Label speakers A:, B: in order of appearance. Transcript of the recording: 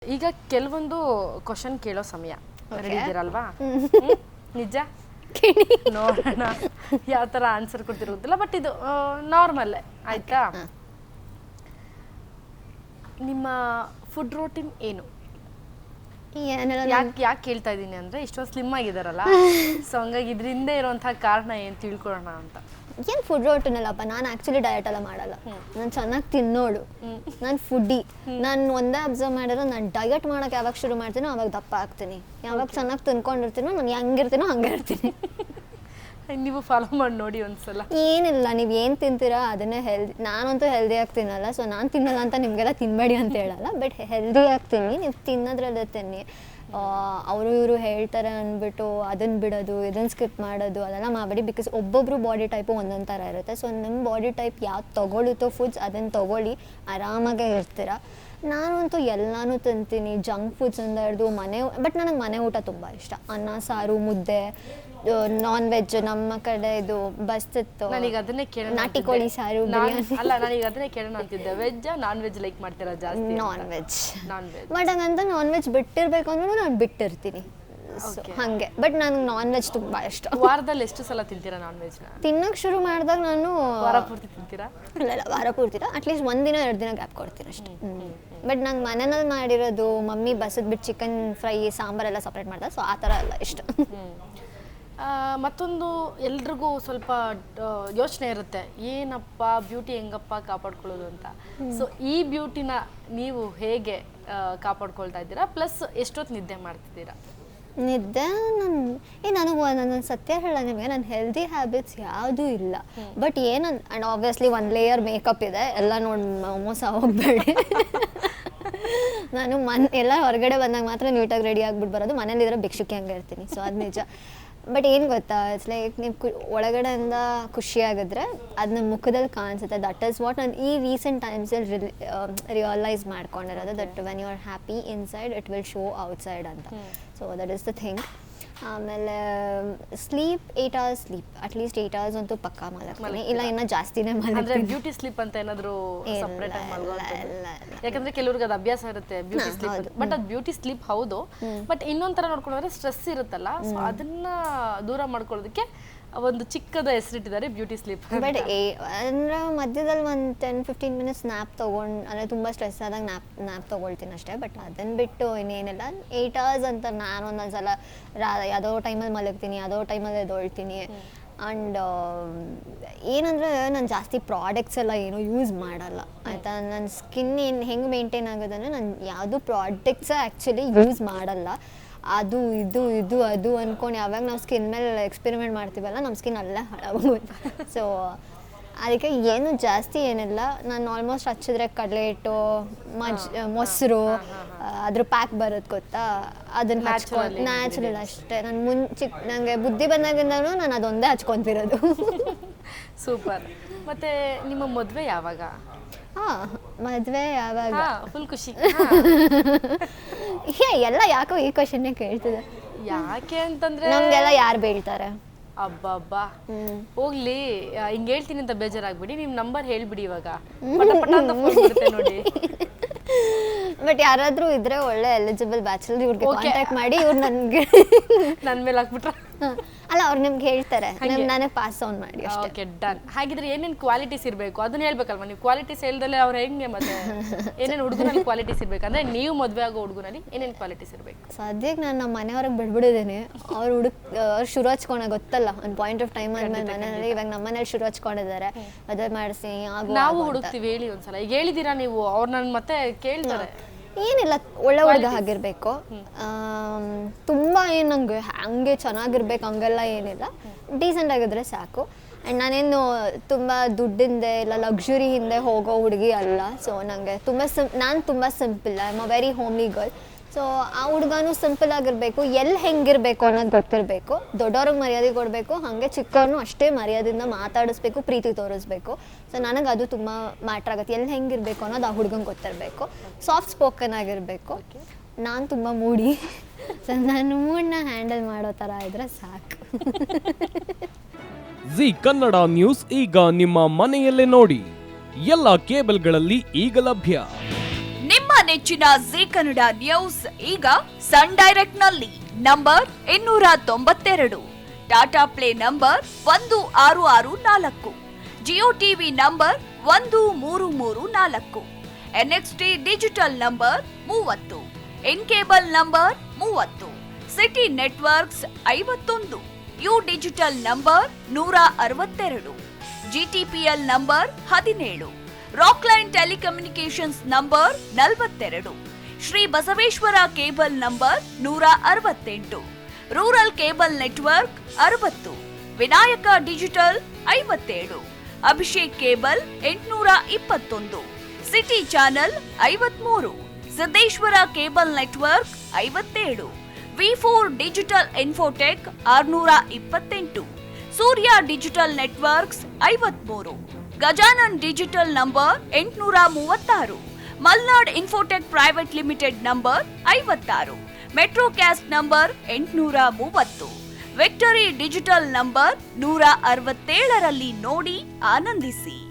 A: ಈಗ ಕೆಲವೊಂದು ಕ್ವಶನ್ ಕೇಳೋ ಸಮಯ ರೆಡಿ ಇದ್ದೀರಲ್ವಾ? ನಿಜ ನೋಡೋಣ ಯಾವ ಥರ ಆನ್ಸರ್ ಕೊಡ್ತಿರೋದಿಲ್ಲ, ಬಟ್ ಇದು ನಾರ್ಮಲ್ ಆಯ್ತಾ? ನಿಮ್ಮ ಫುಡ್ ರೂಟೀನ್ ಏನು? ಯಾಕೆ ಕೇಳ್ತಾ ಇದ್ದೀನಿ ಅಂದ್ರೆ ಇಷ್ಟೊಂದು ಸ್ಲಿಮ್ ಆಗಿದಾರಲ್ಲ, ಸೊ ಹಂಗಾಗಿ ಇದರಿಂದ ಇರುವಂತಹ ಕಾರಣ ಏನು ತಿಳ್ಕೊಳ್ಳೋಣ ಅಂತ.
B: ಏನು ಫುಡ್ ರೂಟೀನ್ ಅಲ್ಲಪ್ಪ, ನಾನು ಆ್ಯಕ್ಚುಲಿ ಡಯಟ್ ಎಲ್ಲ ಮಾಡಲ್ಲ. ನಾನು ಚೆನ್ನಾಗಿ ತಿನ್ನೋಡು, ನಾನು ಫುಡ್ಡಿ. ನಾನು ಒಂದೇ ಅಬ್ಸರ್ವ್ ಮಾಡಿದ್ರೆ ನಾನು ಡಯಟ್ ಮಾಡೋಕೆ ಯಾವಾಗ ಶುರು ಮಾಡ್ತೀನೋ ಅವಾಗ ದಪ್ಪ ಆಗ್ತೀನಿ. ಯಾವಾಗ ಚೆನ್ನಾಗಿ ತಿನ್ಕೊಂಡಿರ್ತೀನೋ ನಾನು ಹೆಂಗಿರ್ತೀನೋ ಹಂಗೆ ಇರ್ತೀನಿ.
A: ನೀವು ಫಾಲೋ ಮಾಡಿ ನೋಡಿ ಒಂದ್ಸಲ.
B: ಏನಿಲ್ಲ, ನೀವು ಏನು ತಿಂತೀರಾ ಅದನ್ನೇ ಹೆಲ್ದಿ. ನಾನಂತೂ ಹೆಲ್ದಿಯಾಗಿ ತಿನ್ನಲ್ಲ, ಸೊ ನಾನು ತಿನ್ನಲ್ಲ ಅಂತ ನಿಮಗೆಲ್ಲ ತಿನ್ನಬೇಡಿ ಅಂತ ಹೇಳಲ್ಲ, ಬಟ್ ಹೆಲ್ದಿಯಾಗಿ ತಿನ್ನಿ. ನೀವು ತಿನ್ನೋದ್ರಲ್ಲೇ ತಿನ್ನಿ. ಅವರು ಇವರು ಹೇಳ್ತಾರೆ ಅಂದ್ಬಿಟ್ಟು ಅದನ್ನು ಬಿಡೋದು, ಇದನ್ನು ಸ್ಕಿಪ್ ಮಾಡೋದು ಅದೆಲ್ಲ ಮಾಡಬೇಡಿ. ಬಿಕಾಸ್ ಒಬ್ಬೊಬ್ಬರು ಬಾಡಿ ಟೈಪು ಒಂದೊಂದು ಥರ ಇರುತ್ತೆ. ಸೊ ನಿಮ್ಮ ಬಾಡಿ ಟೈಪ್ ಯಾವ್ದು ತೊಗೊಳುತ್ತೋ ಫುಡ್ಸ್ ಅದನ್ನು ತೊಗೊಳ್ಳಿ, ಆರಾಮಾಗೇ ಇರ್ತೀರ. ನಾನಂತೂ ಎಲ್ಲನೂ ತಿಂತೀನಿ, ಜಂಕ್ ಫುಡ್ಸಿಂದ ಹಿಡಿದು ಬಟ್ ನನಗೆ ಮನೆ ಊಟ ತುಂಬ ಇಷ್ಟ. ಅನ್ನ ಸಾರು, ಮುದ್ದೆ, ನಾನ್ ವೆಜ್. ನಮ್ಮ ಕಡೆ ಇದು ಬಸ್ತಿತ್ತು,
A: ನನಗೆ ಅದನ್ನೇ ಕೇಳೋಣ,
B: ನಾಟಿ ಕೋಳಿ ಸಾರು, ಬಿರಿಯಾನಿ.
A: ಅಲ್ಲ, ನನಗೆ ಅದನ್ನೇ ಕೇಳೋಣ ಅಂತಿದ್ದೆ. ವೆಜ್ ನಾನ್ ವೆಜ್ ಲೈಕ್ ಮಾಡ್ತೀರಾ ಜಾಸ್ತಿ?
B: Non veg.
A: ಬಟ್
B: ಹಂಗಂತ ನಾನ್ ವೆಜ್ ಬಿಟ್ಟಿರ್ಬೇಕು ಅಂದ್ರೂ ನಾನು ಬಿಟ್ಟಿರ್ತೀನಿ. ಹಾಗೆ, ಬಟ್ ನನಗೆ ನಾನ್ ವೆಜ್ ತುಂಬ ಇಷ್ಟ.
A: ವಾರದಲ್ಲಿ ಎಷ್ಟು ಸಲ ತಿಂತೀರಾ ನಾನ್ ವೆಜ್ನ?
B: ತಿನ್ನೋಕೆ ಶುರು ಮಾಡಿದಾಗ ನಾನು
A: ವಾರ ಪೂರ್ತಿ ತಿಂತೀರಾ?
B: ಇಲ್ಲ, ವಾರ ಪೂರ್ತಿ ಅಟ್ಲೀಸ್ಟ್ ಒಂದಿನ 2 ದಿನ ಗ್ಯಾಪ್ ಕೊಡ್ತೀನಿ ಅಷ್ಟೇ. ಬಟ್ ನಂಗೆ ಮನೆಯಲ್ಲಿ ಮಾಡಿರೋದು ಮಮ್ಮಿ ಬಸದ್ಬಿಟ್ಟು ಚಿಕನ್ ಫ್ರೈ ಸಾಂಬಾರೆಲ್ಲ ಸಪ್ರೇಟ್ ಮಾಡ್ತಾರೆ, ಸೊ ಆ ಥರ ಎಲ್ಲ ಇಷ್ಟ.
A: ಮತ್ತೊಂದು ಎಲ್ರಿಗೂ ಸ್ವಲ್ಪ ಯೋಚನೆ ಇರುತ್ತೆ, ಏನಪ್ಪ ಬ್ಯೂಟಿ ಹೆಂಗಪ್ಪ ಕಾಪಾಡ್ಕೊಳ್ಳೋದು ಅಂತ. ಸೊ ಈ ಬ್ಯೂಟಿನ ನೀವು ಹೇಗೆ ಕಾಪಾಡ್ಕೊಳ್ತಾ ಇದ್ದೀರಾ? ಪ್ಲಸ್ ಎಷ್ಟೊತ್ತು ನಿದ್ದೆ ಮಾಡ್ತಿದ್ದೀರಾ?
B: ನಿದ್ದೆ ನನಗೆ ಸತ್ಯ ಹೇಳ ನಿಮಗೆ, ನನ್ನ ಹೆಲ್ದಿ ಹ್ಯಾಬಿಟ್ಸ್ ಯಾವುದೂ ಇಲ್ಲ. But and obviously 1 layer makeup ಇದೆ, ಎಲ್ಲ ನೋಡಿ ಮೋಸ ಹೋಗಬೇಡಿ. ನಾನು ಎಲ್ಲ ಹೊರಗಡೆ ಬಂದಾಗ ಮಾತ್ರ ನೀಟಾಗಿ ರೆಡಿ ಆಗಿಬಿಟ್ಟು ಬರೋದು. ಮನೇಲಿದ್ರೆ ಭಿಕ್ಷುಕಿ ಹಂಗೆ ಇರ್ತೀನಿ, ಸೊ ಅದು ನಿಜ. ಬಟ್ ಏನು ಗೊತ್ತಾ, ಇಟ್ಸ್ ಲೈಕ್ ನೀವು ಒಳಗಡೆಯಿಂದ ಖುಷಿಯಾಗಿದ್ರೆ ಅದನ್ನ ಮುಖದಲ್ಲಿ ಕಾಣಿಸುತ್ತೆ. ದಟ್ ಈಸ್ ವಾಟ್ ನಾನು ಈ ರೀಸೆಂಟ್ ಟೈಮ್ಸಲ್ಲಿ ರಿಯಲೈಸ್ ಮಾಡ್ಕೊಂಡಿರೋದು, that when you are happy inside it will show outside ಅಂತ. So that is the thing. ಆಮೇಲೆ sleep 8 hours sleep, at least 8 hours ಅಂತೂ ಪಕ್ಕಾ ಮಲಗ್ತೀನಿ. ಇಲ್ಲ ಇನ್ನೂ ಜಾಸ್ತಿನೇ ಮಲಗ್ತೀನಿ.
A: ಬ್ಯೂಟಿ ಸ್ಲೀಪ್ ಅಂತ ಏನಾದರೂ ಸಪ್ರೇಟ್ ಆಗಿ ಯಾಕಂದ್ರೆ ಕೆಲವ್ರಿಗೆ ಅದು ಅಭ್ಯಾಸ ಇರುತ್ತೆ ಬ್ಯೂಟಿ ಸ್ಲೀಪ್, ಬಟ್ ಅದು ಬ್ಯೂಟಿ ಸ್ಲೀಪ್ ಹೌದು. ಬಟ್ ಇನ್ನೊಂದ್ ತರ ನೋಡ್ಕೊಂಡ್ರೆ ಸ್ಟ್ರೆಸ್ ಇರುತ್ತಲ್ಲ, ಸೊ ಅದನ್ನ ದೂರ ಮಾಡ್ಕೊಳ್ಳೋದಕ್ಕೆ ಒಂದು ಚಿಕ್ಕದ ಹೆಸರಿಟ್ಟಿದ್ದಾರೆ ಬ್ಯೂಟಿ ಸ್ಲೀಪ್.
B: ಬಟ್ ಅಂದ್ರೆ ಮಧ್ಯದಲ್ಲಿ ಒಂದು 10-15 minutes ನ್ಯಾಪ್ ತೊಗೊಂಡು, ಅಂದರೆ ತುಂಬ ಸ್ಟ್ರೆಸ್ ಆದಾಗ ನ್ಯಾಪ್ ತೊಗೊಳ್ತೀನಿ ಅಷ್ಟೇ. ಬಟ್ ಅದನ್ನು ಬಿಟ್ಟು ಇನ್ನೇನಿಲ್ಲ. 8 hours ಅಂತ ನಾನು ಒಂದೊಂದ್ಸಲ ಯಾವುದೋ ಟೈಮಲ್ಲಿ ಮಲಗ್ತೀನಿ, ಯಾವುದೋ ಟೈಮಲ್ಲಿ ಎದ್ದೊಳ್ತೀನಿ. ಆ್ಯಂಡ್ ಏನಂದರೆ ನಾನು ಜಾಸ್ತಿ ಪ್ರಾಡಕ್ಟ್ಸ್ ಎಲ್ಲ ಏನೂ ಯೂಸ್ ಮಾಡಲ್ಲ, ಆಯಿತಾ. ನನ್ನ ಸ್ಕಿನ್ ಹೆಂಗೆ ಮೇಂಟೈನ್ ಆಗೋದಂದರೆ ನಾನು ಯಾವುದೂ ಪ್ರಾಡಕ್ಟ್ಸ ಆ್ಯಕ್ಚುಲಿ ಯೂಸ್ ಮಾಡಲ್ಲ. ಅದು ಅದು ಅಂದ್ಕೊಂಡು ಯಾವಾಗ ನಾವು ಸ್ಕಿನ್ ಮೇಲೆ ಎಕ್ಸ್ಪೆರಿಮೆಂಟ್ ಮಾಡ್ತೀವಲ್ಲ, ನಮ್ಮ ಸ್ಕಿನ್ ಅಲ್ಲೇ ಹಾಳಾಗೋಗುತ್ತೆ. ಸೊ ಅದಕ್ಕೆ ಏನು ಜಾಸ್ತಿ ಏನಿಲ್ಲ. ನಾನು ಆಲ್ಮೋಸ್ಟ್ ಹಚ್ಚಿದ್ರೆ ಕಡಲೆ ಹಿಟ್ಟು, ಮೊಸರು, ಅದ್ರ ಪ್ಯಾಕ್ ಬರುತ್ತೆ ಗೊತ್ತಾ, ಅದನ್ನು ಹಚ್ಕೊಂಡು ನ್ಯಾಚುರಲ್ ಅಷ್ಟೇ. ನಾನು ನನಗೆ ಬುದ್ಧಿ ಬಂದಾಗಿಂದನೂ ನಾನು ಅದೊಂದೇ ಹಚ್ಕೊತಿರೋದು.
A: ಸೂಪರ್. ಮತ್ತೆ ನಿಮ್ಮ ಮದುವೆ ಯಾವಾಗ?
B: ಮದುವೆ ಯಾವಾಗ?
A: ಫುಲ್ ಖುಷಿ.
B: ಎಲ್ಲ ಯಾಕೋ ಈ ಕ್ವಶನ್ನೇ ಕೇಳ್ತಿದೆ.
A: ಯಾಕೆ ಅಂತಂದ್ರೆ
B: ನಮ್ಗೆಲ್ಲ ಯಾರು ಬೀಳ್ತಾರೆ?
A: ಅಬ್ಬಬ್ಬಾ, ಹೋಗ್ಲಿ. ಹಿಂಗೆ ಹೇಳ್ತೀನಿ ಅಂತ ಬೇಜಾರಾಗ್ಬಿಡಿ, ನಿಮ್ ನಂಬರ್ ಹೇಳ್ಬಿಡಿ ಇವಾಗ, ಪಟ ಪಟ ಅಂತ ಫೋನ್ ಬರುತ್ತೆ ನೋಡಿ.
B: ಬಟ್ ಯಾರಾದ್ರೂ ಇದ್ರೆ ಒಳ್ಳೆ ಎಲಿಜಿಬಲ್ ಬ್ಯಾಚುಲರ್, ಇವ್ರಿಗೆ ಕಾಂಟ್ಯಾಕ್ಟ್ ಮಾಡಿ. ಇವ್ರು ನನ್ಗೆ
A: ನನ್ನ ಮೇಲೆ ಹಾಕ್ಬಿಟ್ರ?
B: ಅಲ್ಲ, ಅವ್ರು ನಿಮ್ಗೆ ಹೇಳ್ತಾರೆ, ನಾನೇ ಪಾಸ್ ಆನ್ ಮಾಡಿ.
A: Okay, done. ಹಾಗಿದ್ರೆ ಏನೇನು ಕ್ವಾಲಿಟೀಸ್ ಇರಬೇಕು ಅದನ್ನ ಹೇಳ್ಬೇಕಲ್ವಾ ನೀವು? ಕ್ವಾಲಿಟೀಸ್ ಹೇಳ್ದಲ್ಲೇ ಅವ್ರು ಹೆಂಗೆ ಮತ್ತೆ ಏನೇನು ಹುಡುಗನಲ್ಲಿ ಕ್ವಾಲಿಟೀಸ್ ಇರ್ಬೇಕು ಅಂದ್ರೆ, ನೀವು ಮದುವೆ ಆಗೋ ಹುಡುಗನಲ್ಲಿ ಏನೇನು ಕ್ವಾಲಿಟೀಸ್ ಇರಬೇಕು?
B: ಸದ್ಯಕ್ಕೆ ನಾನು ನಮ್ಮ ಮನೆಯವ್ರಿಗೆ ಬಿಡ್ಬಿಡಿದ್ದೀನಿ. ಅವ್ರು ಅವ್ರು ಶುರು ಹಚ್ಕೊಂಡ ಗೊತ್ತಲ್ಲ, ಒಂದು ಪಾಯಿಂಟ್ ಆಫ್ ಟೈಮ್ ಆದ್ಮೇಲೆ ಮನೆಯಲ್ಲಿ. ಇವಾಗ ನಮ್ಮ ಮನೇಲಿ ಶುರು ಹಚ್ಕೊಂಡಿದ್ದಾರೆ, ಮದುವೆ ಮಾಡಿಸಿ
A: ನಾವು ಹುಡುಕ್ತೀವಿ. ಹೇಳಿ ಒಂದ್ಸಲ, ಈಗ ಹೇಳಿದೀರಾ ನೀವು, ಅವ್ರು ನನ್ನ ಮತ್ತೆ ಕೇಳ್ತಾರೆ.
B: ಏನಿಲ್ಲ, ಒಳ್ಳೆ ಹುಡುಗ ಆಗಿರ್ಬೇಕು. ತುಂಬ ಏನು ನಂಗೆ ಹಂಗೆ ಚೆನ್ನಾಗಿರ್ಬೇಕು ಹಂಗೆಲ್ಲ ಏನಿಲ್ಲ, ಡೀಸೆಂಟ್ ಆಗಿದ್ರೆ ಸಾಕು. ಆ್ಯಂಡ್ ನಾನೇನು ತುಂಬ ದುಡ್ಡಿಂದೆ ಇಲ್ಲ ಲಕ್ಸುರಿ ಹಿಂದೆ ಹೋಗೋ ಹುಡುಗಿ ಅಲ್ಲ. ಸೊ ನನಗೆ ನಾನು ತುಂಬ simple, I am a very homely girl. So ಆ ಹುಡುಗನೂ ಸಿಂಪಲ್ ಆಗಿರಬೇಕು, ಎಲ್ಲಿ ಹೆಂಗಿರಬೇಕು ಅನ್ನೋದು ಗೊತ್ತಿರಬೇಕು. ದೊಡ್ಡವ್ರಿಗೆ ಮರ್ಯಾದೆ ಕೊಡಬೇಕು, ಹಾಗೆ ಚಿಕ್ಕವ್ರನ್ನೂ ಅಷ್ಟೇ ಮರ್ಯಾದೆಯಿಂದ ಮಾತಾಡಿಸ್ಬೇಕು, ಪ್ರೀತಿ ತೋರಿಸ್ಬೇಕು. ಸೊ ನನಗೆ ಅದು ತುಂಬ ಮ್ಯಾಟ್ರ್ ಆಗುತ್ತೆ, ಎಲ್ಲಿ ಹೆಂಗಿರಬೇಕು ಅನ್ನೋದು ಆ ಹುಡುಗಂಗೆ ಗೊತ್ತಿರಬೇಕು. ಸಾಫ್ಟ್ ಸ್ಪೋಕನ್ ಆಗಿರಬೇಕು. ನಾನು ತುಂಬ ಮೂಡಿ, ಸೊ ನಾನು ಮೂಡನ್ನ ಹ್ಯಾಂಡಲ್ ಮಾಡೋ ಥರ ಇದ್ರೆ ಸಾಕು.
C: ಜಿ ಕನ್ನಡ ನ್ಯೂಸ್ ಈಗ ನಿಮ್ಮ ಮನೆಯಲ್ಲೇ ನೋಡಿ, ಎಲ್ಲ ಕೇಬಲ್ಗಳಲ್ಲಿ ಈಗ ಲಭ್ಯ.
D: ನಿಮ್ಮ ನಿಮ್ಮ ನೆಚ್ಚಿನ ಜೀ ಕನ್ನಡ ನ್ಯೂಸ್ ಈಗ ಸನ್ ಡೈರೆಕ್ಟ್ ನಲ್ಲಿ number 292, Tata Play number 1664, Jio TV number 1334, NXT Digital number 30, In Cable number 30, City Networks 51, U Digital number 162, GTPL number 17, Rockline Telecommunications number 42, Shri Basaveshwara Cable number 168, Rural Cable Network 60, Vinayaka Digital 57, Abhishek Cable 821, City Channel 53, Siddeshwara Cable Network 57, V4 Digital Infotech 628, Surya Digital Networks 53, Gajanan digital number 836, Malnad Infotech Private Limited number 56, Metrocast number 830, Victory Digital number 167ರಲ್ಲಿ ನೋಡಿ ಆನಂದಿಸಿ.